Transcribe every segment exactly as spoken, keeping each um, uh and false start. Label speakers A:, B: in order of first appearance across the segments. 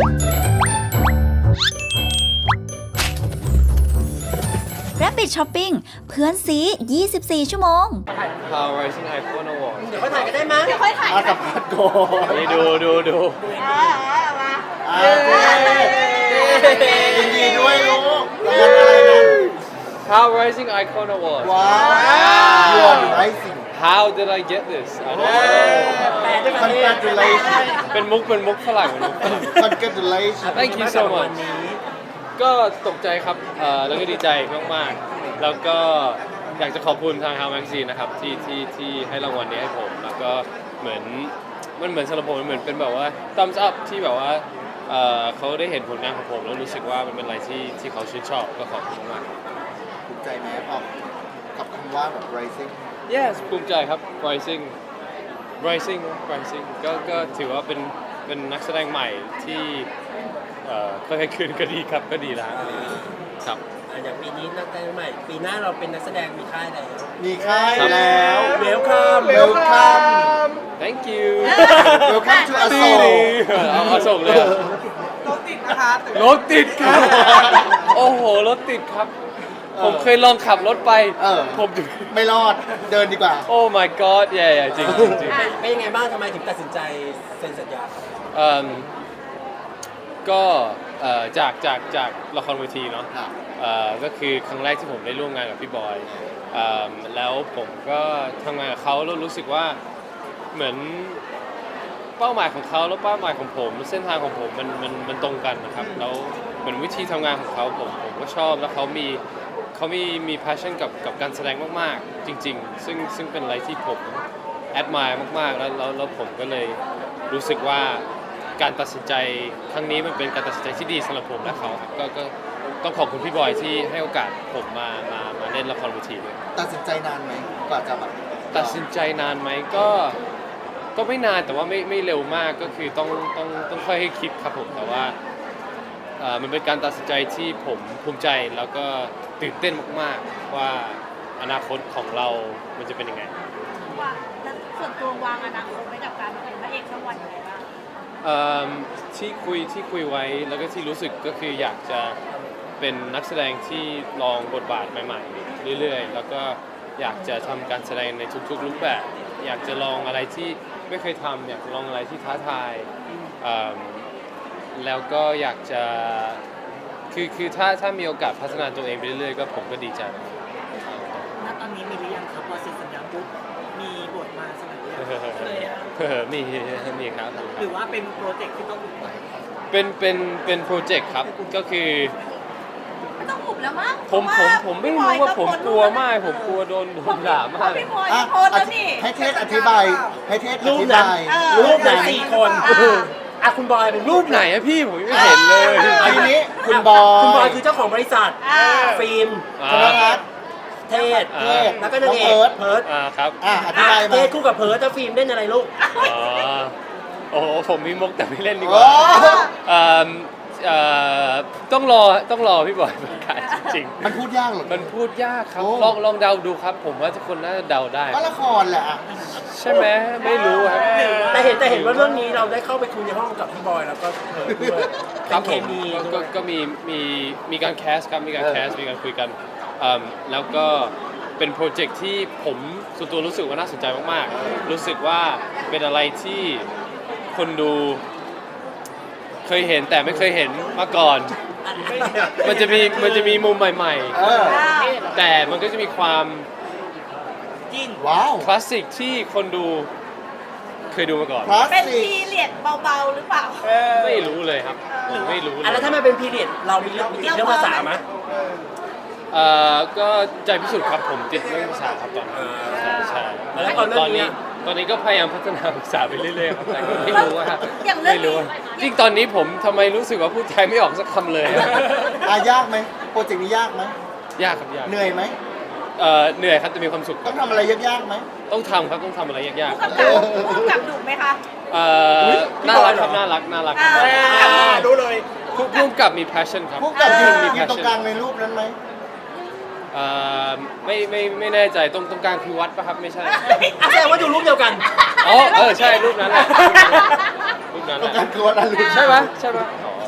A: Rabbit Shopping เพื่อนซียี่สิบสี่ ชั่วโมง
B: How Rising iPhone Award
C: เดี๋ยวค่อยถ่ายกันได้มั้ยเดี๋ยวค่อยถ่าย
D: มากับพัดโก
B: นี่ดูดูดู
D: ยินดีด้วยลูกรางวัลอะไรนะ
B: How Rising Icon Award
D: ว้าว You are rising
B: How did I get this I don't know
D: Congratulations
B: เป็นมุกเป็นมุกฝรั่งเป็นมุกฝรั่ง
D: Congratulations
B: Thank you so much ก็ตกใจครับเอ่อแล้วก็ดีใจมากๆแล้วก็อยากจะขอบคุณทาง How Magazine นะครับที่ที่ที่ให้รางวัลนี้ให้ผมแล้วก็เหมือนมันเหมือนสำหรับผมมันเหมือนเป็นแบบว่า thumbs up ที่แบบว่าเอ่อเขาได้เห็นผลงานของผมแล้วรู้สึกว่ามันเป็นอะไรที่ที่เขาชื่นชอบก็ขอบคุณมาก
D: ภูมิใจไหมออกกับคำว่าแบบ rising
B: Yes ภูมิใจครับ Rising Rising Rising ก็ก็ถือว่าเป็นเป็นนักแสดงใหม่ที่เอ่อค่อยๆขึ้นก็ดีครับก็ดีแล้วครับ
C: อย่างปีนี้นักแสดงใหม่ปีหน้าเราเป็นนักแสดงมีค่ายแล้ว
D: มีค่ายแล้ว
C: เวลคัม
D: Welcome
B: Thank you
D: Welcome to อโศก
B: เอาเอาส่งเลยรถติดนะคะรถติดครับโอ้โหรถติดครับผมเคยลองขับรถไป
D: เออ
B: ผม
D: ไม่รอดเดินดีกว่า
B: โอ้ my god แย่ๆจริงจริงจริง
C: เป็นยังไงบ้างทำไมถึงตัดสินใจเซ็นสัญญา
B: เอิ่มก็เอ่อจากจากจากละครเวทีเนาะ
D: ครับ
B: เอ่อก็คือครั้งแรกที่ผมได้ร่วมงานกับพี่บอยเอิ่มแล้วผมก็ทำงานกับเขาแล้วรู้สึกว่าเหมือนเป้าหมายของเขาแล้วเป้าหมายของผมเส้นทางของผมมันมันมันตรงกันนะครับแล้วเหมือนวิธีทำงานของเขาผมผมก็ชอบแล้วเขามีเขามีมี passion กับกับการแสดงมากๆจริงๆซึ่งซึ่งเป็นอะไรที่ผม admire มากๆแล้วแล้วแล้วผมก็เลยรู้สึกว่าการตัดสินใจครั้งนี้มันเป็นการตัดสินใจที่ดีสำหรับผมและเขาครับก็ก็ต้องขอบคุณพี่บอยที่ให้โอกาสผมมามามาเล่นละครเวทีด้วย
D: ตัดสินใจนานไหมกว่าจะแบบ
B: ตัดสินใจนานไหมก็ก็ไม่นานแต่ว่าไม่ไม่เร็วมากก็คือต้องต้องต้องค่อยให้คิดครับผมแต่ว่าเอ่อมันเป็นการตัดสินใจที่ผมภูมิใจแล้วก็ตื่นเต้นมากๆว่าอนาคตของเรามันจะเป็นยังไง
E: ว่าแล้วส่วนตัววางอนาคตไว้กับการมาเป็นพระเอกช่องวันยังไงบ้าง
B: เอิ่มที่คุยที่คุยไว้แล้วก็ที่รู้สึกก็คืออยากจะเป็นนักแสดงที่ลองบทบาทใหม่ๆเรื่อยๆแล้วก็อยากจะทำการแสดงในทุกๆรูปแบบ อยากจะลองอะไรที่ไม่เคยทำอยากจะลองอะไรที่ท้าทายเอิ่มแล้วก็อยากจะคือคือถ้าถ้ามีโอกาสพัฒนาตัวเองไปเรื่อยๆก็ผมก็ดีใจ
F: ณตอนนี้มีหรือยังครับพอเซ็นสัญญาปุ๊บมีบทมาเสนอเลยอะ
B: เออมีมีครับ
F: หรือว่าเป็นโปรเจกต์ที่ต้องอุบไว้
B: เป็นเป็นเป็นโปรเจกต์ครับก็คือ
E: ไม่ต้องหุบแล้วมั้ง
B: ผมผมผมไม่รู้ว่าผมกลัวมากผมกลัวโดนโดนด่ามาก
E: พี่พลอย
D: อ่ะ
E: โพสต์แล้วนี่
D: ให้เทศอธิบายให้เทศอ
C: รูป
D: ธิ
C: นั้น
D: บาย
C: รูปนั้นสี่คนอ่ะคุณบอยเป็น
B: รูปไหนอะพี่ผมยังไม่เห็นเลย
D: อันนี้คุณบอย
C: คุณบอยคือเจ้าของบริษัท
E: อ่า
C: ฟิล์ม
B: อ่า
D: ธนรัตน์
C: เทศ
B: อ่า
D: เทศ
C: แล้วก็นางเอ
D: น้อง
C: ก
D: เพิร์ท
C: เพิร์ด
B: อ่าครับ
D: อ่ะอธิบาย
C: เท
D: มา
C: ศคู่กับเพิร์ดแล้วฟิล์มเล่นอะไรลูก
B: อ๋อโอ้โหผมมีมุกแต่ไม่เล่นดีก
D: โอ้
B: ว่าเอ่อเอ่อต้องรอต้องรอพี่บอยประกาศจริง
D: มันพูดยากเหรอ
B: ๆมันพูดยากครับ
D: โอ้
B: ลองลองเดาดูครับ ผมว่าทุกคนน่าจะเดาได้
D: ก็ละครแหละอ่ะ
B: ใช่ไหมไม่รู้ครับ
C: แต่เห็นแต่เห็นว่าเรื่องนี้เราได้เข้าไปคุยในห้องกับพี่บอยแล้วก็เพิร์ดด้วย
B: ครั
C: เป็
B: บ
C: น
B: ผ
C: เค
B: ม
C: มี
B: ก็
C: ด้
B: ก็
C: วย
B: ก็มีมีมีการแคสครับมีการแคสมีการคุยกันเอิ่มแล้วก็เป็นโปรเจกต์ที่ผมส่วนตัวรู้สึกว่าน่าสนใจมากๆ รู้สึกว่าเป็นอะไรที่คนดูเคยเห็นแต่ไม่เคยเห็นมาก่อน มันจะมีมันจะมีมุมใหม่
D: เออ
B: ๆ แต่มันก็จะมีความ
F: จิ้น
D: ว้าว
B: คลาสสิกที่คนดูเคยดูมาก่อน
D: คลาส
E: เป็น
D: สิก
E: พีเรียดเบาๆหรือเปล่า
B: ไม่รู้เลยครับผมไม่รู้เล
C: อ่ะแล้ว
B: ย
C: ถ้ามันเป็นพีเรียดเรามีเรื่องมีติดเรื่องภาษาไหม
B: เอ่อก็ใจพิสูจน์ครับผมติดเรื่องภาษาครับตอนนี้ใช่ใช่
C: แล้วตอนเรื่
B: ต
C: อ
B: อง น
C: นี้
B: นี้ตอนนี้ก็พยายามพัฒนาภาษาไปเรื่อยๆครับแต่ก็ไม่รู้ว่า
E: อย่างเรื่อง
B: ไม่รู้
E: นี้
B: ว่าจริงตอนนี้ผมทำไมรู้สึกว่าพูดไทยไม่ออกสักคำเลยอะ
D: อ่ะยากไหมโปรเจกต์นี้ยากไหม
B: ยากครับยาก
D: เหนื่อยไหม
B: เอ่อเหนื่อยครับจะมีความสุขค
D: ต้
B: รั
D: อบ งทำอะไรยากๆไหม
B: ต้องทำครับต้องทำอะไรยาก
E: ผู้กำกับผู้กำกับดุไหมคะ
B: ๆเอ่อน่ารักครับน่ารักน่ารัก
E: อ่า
C: รู้เลย
B: ผู้ผู้กำกับมี passion ครับ
D: พวกกับยืน
B: มี
D: ยืนตรง
B: passion
D: กลางในรูปนั้นไหม
B: เอ่อไม่ไม่ไม่แน่ใจตรงตรงกลางคือวัดปะครับไม่ใช่
C: อ่ะแสดงว่าดูรูปเดียวกัน
B: อ๋อเออใช่รูปนั้นแหละรูปนั้น
D: ตรง
B: แห
D: กลา
B: ละ
D: งคือวัดอรุณ
B: ใช่ไหมใช่ไหมอ๋อ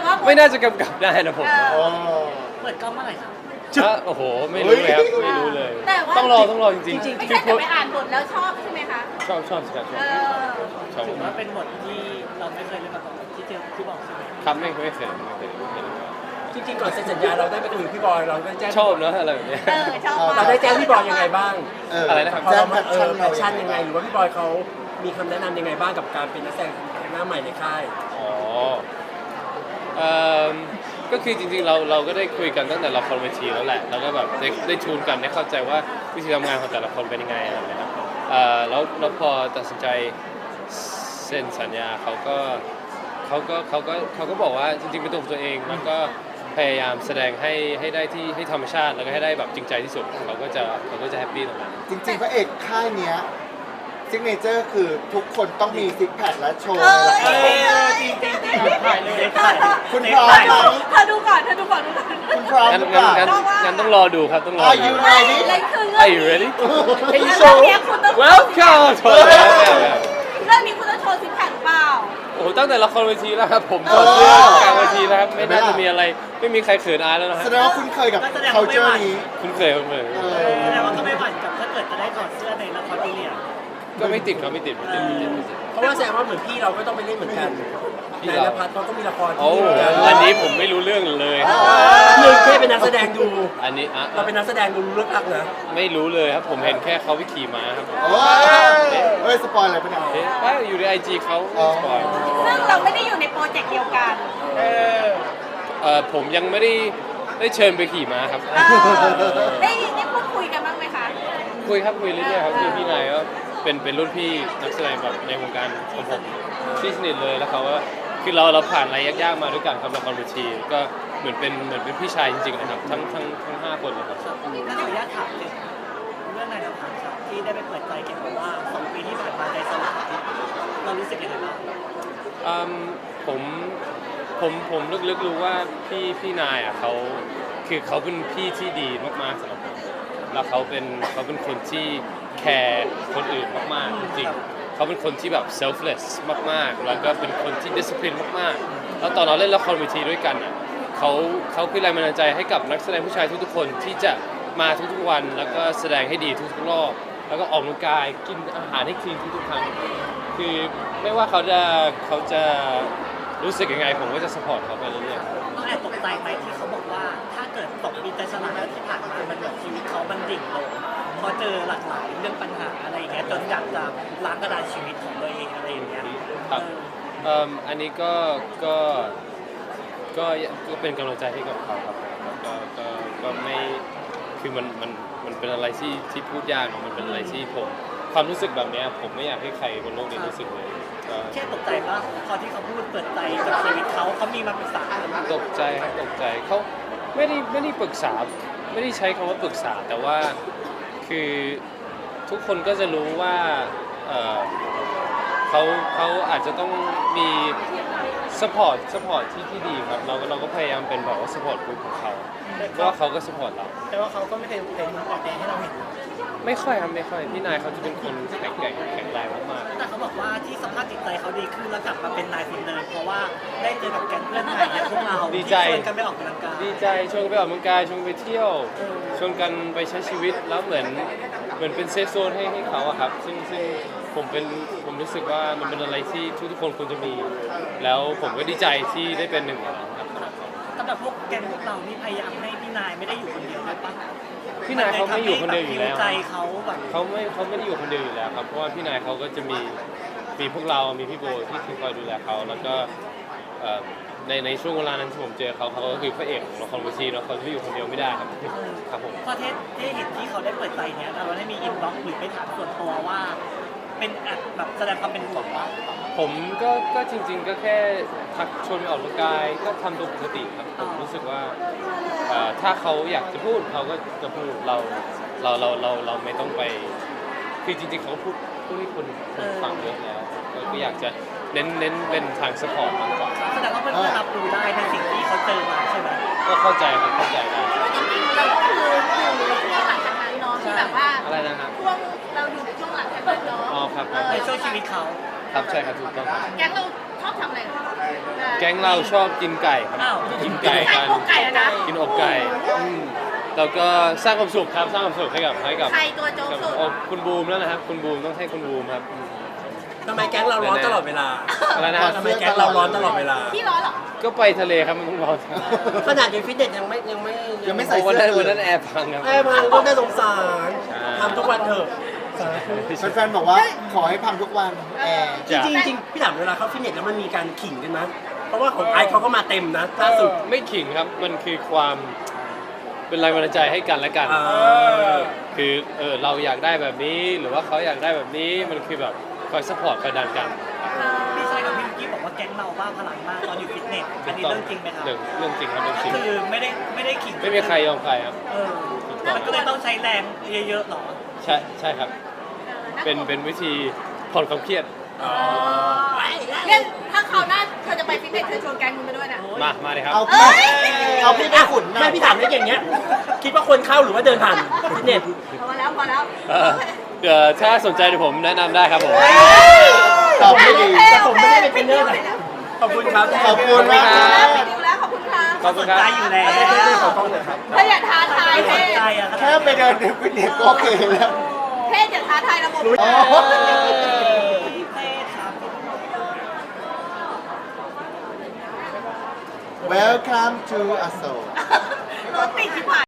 E: ว่า
B: ไม่น่าจะกำกับได้นะผม
E: เออ
D: โอ้
F: เปิดกล้องเมื่อไหร่ครับ
B: อ่ะโอ้โห ไม่รู้เลยครับ ไม่รู้เลย
E: แต่ว่า
B: ต้องรอต้องรอจริง
C: จริง
E: ไม่
B: ๆ
E: ใช่
B: คือ
E: แต่ไปอ่านบทแล้วชอบใช่ไหมคะ
B: ชอบชอบสิครับช
E: เอ
B: อบ
E: อ
B: ชอบ
F: ถือว่าเป็นบทที่เราไม่เคยเล่นมาก่อนที่เจอที่บอกใช่ไหม
B: ครับไม่ไม่เคยไม่เคยไม่เคย
C: จริงๆก่อนเซ็นสัญญาเราได้ไปคุยกับพี่บอยเราได้แจ้ง
B: ชอบเนอะอะไรแบบเนี้ย
E: เออชอบมาก
C: เราได้แจ้งพี่บอยยังไงบ้าง
D: เออ
B: อะไรนะครับ
C: พอ
D: แจ้
C: เรา
D: งแพ
C: มา
D: ช
C: เอ
D: ชั่
C: อน แพ
D: เรา
C: ชชั่นยังไงหรือว่าพี่บอยเขามีคำแนะนำยังไงบ้างกับการเป็นนักแสดงหน้าใหม่ในค่าย
B: อ๋อเอ่อก็คือจริงๆเราเราก็ได้คุยกันตั้งแต่ละครเวทีแล้วแหละ แล้วก็แบบได้ได้ชูนกันได้เข้าใจว่าวิธีทำงานของแต่ละคนเป็นยังไงอะไรแบบนี้ครับเอ่อแล้วแล้วพอตัดสินใจเซ็นสัญญาเขาก็เขาก็เขาก็เขาก็บอกว่าจริงๆเป็นตัวของตัวเองแล้วก็พยายามแสดงให้ให้ได้ที่ให้ธรรมชาติแล้วก็ให้ได้แบบจริงใจที่สุดเขาก็จะเขาก็จะแฮปปี้ตรงนั้น
D: จริงๆพระเอกค่ายเนี้ยซิกเนเจอร์คือทุกคนต้องมีซิกแพคและโชว์
E: เออ
D: ในละคร
F: จริงจริงจริงถ่ายเลยถ่าย
D: คุณพร้อมไหม
E: เธอดูก่อนเธอดูก่อนดูก่อน
D: คุณพร้อม
B: งั้น
D: หรือเป
B: งั้น
D: ล่า
B: งั้นงั้นต้องรอดูครับต้องรอ
D: Are
B: ดู
D: you ready
E: เรื่องคือเรื่
B: Are
E: อง
B: you ready?
E: เรื่องนี้คุณต้อง
B: Welcome โถแล้ว
E: เรื่องนี้คุณต้องโชว์ซิกแพคเปล่า
B: โอ้โหตั้งแต่ละครเวทีแล้วครับผมถอดเสื้อกลางเวทีแล้วครับไม่น่าจะมีอะไรไม่มีใครเขินอายแล้วนะฮะ
D: แสดงว่าคุณเคยกับ culture นี้
B: คุณเคยคุณเคย
D: เออ
F: แสดงว่าก็ไม่หวั่นกับถ้าเกิดจะได้ถอดเสื้อในละครพีเรียด
B: ก็ไม่ติดครับไม่ติดไม่ติดไม่ติดไม่ติด
C: เพราะว่าแสดงว่าเหมือนพี่เราก็ต้องไปเล่นเหมือนกัน
B: พี่
C: นาย
B: เรา
C: นภัสเขาก็มีละครที่
B: โอ้
C: นี่เหมือนกัน
B: อันนี้ผมไม่รู้เรื่องเลย
C: หนึ่งแค่เป็นนักแสดงดู
B: อันนี้อ่ะ
C: เราเป็นนักแสดงดูรู้เรื่องอักนะ
B: ไม่รู้เลยครับผมเห็นแค่เขาไปขี่ม้าครับ
D: โอ้ยเฮ้ย สปอยอะไรปะเนี่ย
B: เอ๊ะว่าอยู่ในไอจีเขา
D: อ๋อ
B: สปอย
E: ซึ่งเราไม่ได้อยู่ในโปรเจกต์เดียวกัน
B: เออผมยังไม่ได้ได้เชิญไปขี่ม้าครับ
E: เออได้ได้พูดคุยกันบ้างไหมคะ
B: คุยครับคุยเรื่อยๆครับคือพี่นายก็เป็นเป็นรุ่นพี่นักแสดงแบบในวงการของผมที่สนิทเลยแล้วเขาว่าคือเราเราผ่านอะไรยากๆมาด้วยกันครับละครเวทีก็เหมือนเป็นเหมือนเป็นพี่ชายจริงๆนะครับทั้งทั้งทั้งห้าคนเลยครับ
F: นั่นขออนุญาตถามถึงเรื่องนายนภัสครับที่ได้ไปเปิดใจเกี่ยวกับว่าสองปีที่ผ่านมาใจสลายเรารู้สึกยังไงบ้าง
B: อืมผมผมผมลึกๆรู้ว่าพี่พี่นายอ่ะเขาคือเขาเป็นพี่ที่ดีมากๆสำหรับผมแล้วเขาเป็นเขาเป็นคนที่แคร์คนอื่นมากๆจริงๆเขาเป็นคนที่แบบ selfless มากๆ แล้วก็เป็นคนที่ discipline มากๆ แล้วตอนเราเล่นละครเวทีด้วยกันอ่ะเขาเขาคือแรงบันดาลใจให้กับนักแสดงผู้ชายทุกๆคนที่จะมาทุกๆวันแล้วก็แสดงให้ดีทุกๆรอบแล้วก็ออกกำลังกายกินอาหารให้คลีนทุกๆครั้งคือไม่ว่าเขาจะเขาจะรู้สึกยังไงผมก็จะ support เขาไปเรื่อยๆ
F: ต้องแอบตกใจไหมที่เขาบอกว่าถ้าเกิดสองปีใจสลายแล้วที่ผ่านมามันแบบชีวิตเขามันดิ่งลงพอเจอหลากหลายเรื่องปัญหาอะไรอย่างเงี้ยจนอยากจะล้างกระดานชีวิตของตัวเองอะไรอย่างเงี้ย
B: ครับ
F: เออ
B: เอิ่มอันนี้ก็ก็ก็ก็เป็นกำลังใจให้กับเขาครับก็ก็ก็ไม่คือมันมันมันเป็นอะไรที่ที่พูดยากเนอะมันเป็นอะไรที่ผมความรู้สึกแบบเนี้ยผมไม่อยากให้ใครบนโลกนี้รู้สึกเลยก็
F: แค่ตกใจว่าพอที่เขาพูดเปิดใจกับชีวิตเขาเขามีมาปรึกษา
B: ตกใจครับตกใจเขาไม่ได้ไม่ได้ปรึกษาไม่ได้ใช้คำว่าปรึกษาแต่ว่าคือทุกคนก็จะรู้ว่าเอ่อเขาเขาอาจจะต้องมี support support ที่ที่ดีครับเราก็เราก็พยายามเป็นแบบว่า support group ของเขาเพราะว่าเขาก็ support เรา
F: แต่ว่าเขาก็ไม่เคยเป็นมุมอ่อนแอให้เราเห็น
B: ไม่ค่อยครับไม่ค่อยพี่นายเขาจะเป็นคนแข็งแกร่งแข็งแรงมาก
F: แต่เขาบอกว่าที่สภาพจิตใจเขาดีขึ้นแล้วกลับมาเป็นนายคนเดิมเพราะว่าได้เจอกับแก๊งเพื่อนใหม่และพวกเราที่ชวนกันไปออกกำลังกาย
B: ๆดีใจชวนกันไปออกกำลังกายชวนกันไปเที่ยวชวนกันไปใช้ชีวิตแล้วเหมือนเหมือนเป็นเซฟโซนให้ให้เขาอะครับซึ่งซึ่งผมเป็นผมรู้สึกว่ามันเป็นอะไรที่ทุกทุกๆคนควรจะมี แล้วผมก็ดีใจที่ได้เป็นหนึ่งในนั้นครับ
F: สำหรับพวกแก๊งพวกเรานี่พยายามให้พี่นายไม่ได้อยู่คนเดียวเลยปะ
B: พี่นายเขาไม่อยู่คนเดียวอยู่แล้ว
F: ใจเขาแบบ
B: เขาไม่เขาไม่ได้อยู่คนเดียวอยู่แล้วครับเพราะว่าพี่นายเขาก็จะมีมีพวกเรา มีพี่โบที่ที่คอยดูแลเขาแล้วก็เอ่อในในช่วงเวลานั้นที่ผมเจอเขาเขาก็คือพระเอกของละครเวทีแล้วเขาจะอยู่คนเดียวไม่ได้ครับครับผม
F: พอเทสที่เห็นที่เขาได้เปิดใจเนี้ยเราได้มีอินบ็อกซ์หรือไปถามส่วนตัวว่า เป็นแอบแบบแสดงความเป็นห่วงว่า
B: ผมก็ก็จริง ๆ ก็แค่ทักชวนไปออกกำลังกายก็ทำตัวปกติครับผมรู้สึกว่าเอ่อถ้าเขาอยากจะพูดเขาก็จะพูดเราเราเราเราเราไม่ต้องไปคือจริงๆเขาพูดพูดให้คนคนฟังเยอะแล้วก็ก็อยากจะเน้นเน้นเป็นทางสปอร์ตมากกว่า
F: แสดงว่าเพื่อนๆรับรู้ได้ในสิ่งที่เขาเจอมาใช่ไหม
B: ก็เข้าใจครับเข้าใจได้
E: จริงๆเราก็คืออยู่ในช่วงหลังจากนั้นเนาะที่แบบว่า
B: อะไรนะครับ
E: ช่วงเราอยู่ในช่วงหลังจากนั้นเนาะ
B: อ๋อครับ
E: เออ
F: ในช่วงชีวิตเขา
B: ครับใช่ครับถูกต้องครับ
E: แก๊งเราชอบทำอะไรกันเวลา
B: แก๊งเราชอบกินไก่ครับ
F: อ้าว
B: กินไก่กัน
E: พวกไก่อะนะ
B: กินอกไก่อืมแล้วก็สร้างความสุขครับสร้างความสุขให้กับให้กับ
E: ใครตัวโจ๊ก
B: กับ
E: สุด
B: โอ้คุณบูมแล้วนะครับ คุณบูมต้องให้คุณบูมครับอืม
C: ทำไมแก๊งเราร้อนตลอดเวลา
B: อะไรนะ
C: ทำไมแก๊งเราร้อนตลอดเวลา
E: พี่ร้อนเหรอ
B: ก็ไปทะเลครับมันต้องร้อน
C: ขนาดอยู่ฟิตเนสยังไม่ยังไม่
D: ยังไม่ใส่
B: วัน
D: เสื้
B: นั้น
D: อ
B: วันนั้นแอร์พังครับ
C: ไอ้พังก็น่าสงสาร
B: ใช่
C: ทำทุกวันเถอะ
D: แฟนๆบอกว่าขอให้พังทุกวันแอร์
C: จริงๆจริงๆพี่ถามเวลาเข้าฟิตเนสแล้วมันมีการขิงกันนะเพราะว่าของไอซ์เขาก็มาเต็มนะล่าสุด
B: ไม่ขิงครับมันคือความเป็นแรงบันดาลใจให้กันและกัน
C: อ่า
B: คือเออเราอยากได้แบบนี้หรือว่าเขาอยากได้แบบนี้มันคือแบบคอยซัพพอร์ตคอยดันกัน
F: พี่ชายกับพี่วิกกี้บอกว่าแก๊งเราบ้าพลังมากตอนอยู่ฟิตเนสอันนี้เรื่องจริงไหมครับ
B: เรื่องเรื่องจริงครับเรื่องจริง
F: คือไม่ได้ไม่ได้ขิง
B: ไม่มีใครยอมใครครับ
F: เออมันก็เลยต้องใช้แรงเยอะๆหรอ
B: ใช่ใช่ครับ เป็นเป็นวิธีผ่อนความเครียด
E: เนี่ยถ้าคราวหน้าเธอจะไปฟิตเนสเธอชวนแก๊งมึงไปด้วยนะ
B: มามาเลยครับ
D: เอาพี่เอาพี่ไปขุนหน่
C: แม่
D: อย
C: พี่ถามได้อย่างเงี้ย คิดว่าคนเข้าหรือว่าเดินผ่านฟิตเนส
E: พอแล้วพอแล้ว
B: เอ่อเดี๋ยวถ้าสนใจเดี๋ยวผมแนะนำได้ครับผม
D: ตอบไม่ดี
C: แต่ผมไม่ได้เป็นเทรนเนอร์นะขอบคุณครับ
D: ขอบคุณมาก
E: แล้วไปดูแล้วขอบคุณค่ะ
B: ขอบคุณครับ
F: ใจอยู่แล้ว
C: ได้ได้ได้ขอกล้องหน่อยครับ
E: เธออย่าท้าทาย
F: ไม่
E: เท
F: สนใจ
E: ศ
F: อะ
D: แค่ไปเดินในฟิตเนสก็โอเคแล้ว
E: เทศอย่าท้าทายระบบ
D: โอ้
F: เท่ครับ
D: Welcome to Aso
E: รถติดที่ผ่าน